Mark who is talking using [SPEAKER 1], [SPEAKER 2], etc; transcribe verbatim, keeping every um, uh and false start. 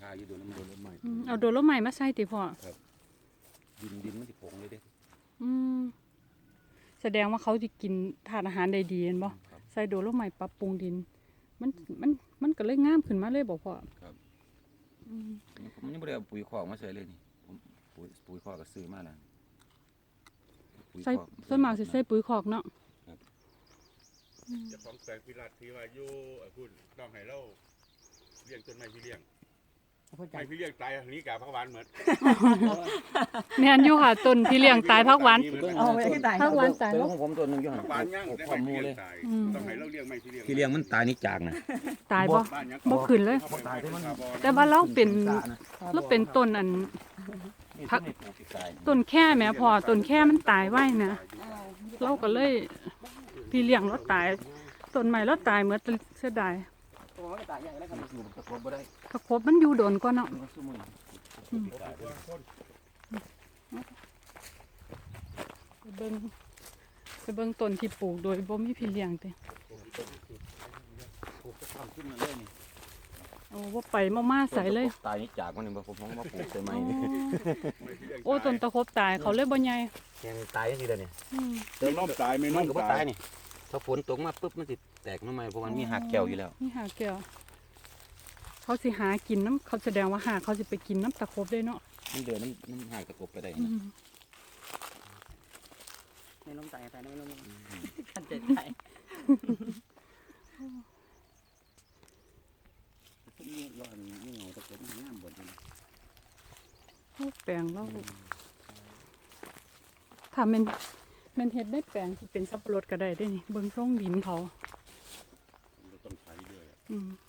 [SPEAKER 1] าอยู่โดนน้ำโดนรถใหม่
[SPEAKER 2] เอาโดนรถใหม่มาใส่ติพ่อ
[SPEAKER 1] ครับดินดินมันสิผงเลยเด้
[SPEAKER 2] อืมแสดงว่าเขาจะกินธาตุอาหารได้ดีเห็นบ่ใส่โดนรถใหม่ปรับปรุงดินมันมันมันก็เลยงามขึ้นมาเลยบอกพ่อ
[SPEAKER 1] ครับผมยังไม่ได้เอาปุ๋ยคอกมาใส่เลยนี่ผมปุ๋ยปุ๋ยคอกก็ซื้อมาแล้ว
[SPEAKER 2] ใส่ส่วนมากสิใส่ปุ๋ยคอกเนาะ
[SPEAKER 3] จะของแปลงพิรัตที่ว่าอยู่พูดต้องให้เราเลี้ยงต้นไม้พี่เลี้ยงไม้พี่เลี้ยงตายอันนี้กาพักหวานเหมือน
[SPEAKER 2] แม่นอยู่ค่ะต้นที่เลี้ยงตายพักหวาน
[SPEAKER 4] เอาไว้ที่ตาย
[SPEAKER 2] พักหวานตาย
[SPEAKER 1] ต้นของผมต้นนึงอยู่หั่น
[SPEAKER 3] พักหวานย่างได้ไม้พี่เลี้ยงตายต้องให้เราเลี้ยงไม้พี่เลี้ยง
[SPEAKER 1] พี่เลี้ยงมันตายนี่จากนะ
[SPEAKER 2] ตายบ่บ่ขึ้นเลยแต่ว่าเราเป็นเราเป็นต้นอันพักต้นแค่แม่พอต้นแค่มันตายไว้นะเราก็เลยพี่เลี้ยงเราตายต้นใหม่เราตายเหมือนเสียดายตะครบมันอยู่โดนกว่าเนาะไปเบิ่งไปเบิ่งต้นที่ปลูกโดยบ่มีพี่เลี้ยงเด้โอ้ว่าไปมาๆใส่เลย
[SPEAKER 1] ตายนี่จากมันนี่บ่ผมผมมาปลูกใส่ไม้
[SPEAKER 2] โอ้ต้นตะครบตายเขาเลยบ่ใหญ่
[SPEAKER 1] แกงตายจังซี่เด้อนี่
[SPEAKER 3] เติมน้ำตายไม่น้ำ
[SPEAKER 1] ก็บ่ตายนี่ถ้าฝนตกมาปุ๊บมันสิแตกหน่อไม้เพราะมันมีหักแก้วอยู่แล้ว
[SPEAKER 2] มีหักแก้วเขาสิหากินน้ำเขาแสดงว่าหาเขาสิไปกินน้ำตะครบได้เนาะ
[SPEAKER 1] มันเดือดน้ำน้ำหากตะกบไปได้
[SPEAKER 4] นะในลมตายตายในลมขันเจ็ดตาย
[SPEAKER 1] นี่ร้อนนี่เงาตะกบมันงามบ่จัง
[SPEAKER 2] แปลงเราถ้ามันมันเฮ็ดได้แปลงที่เป็นสับปะรดก็ได้ได้นี่เบิ่งทรงดินเขา
[SPEAKER 3] ต้องใช้ด้วย
[SPEAKER 2] อืม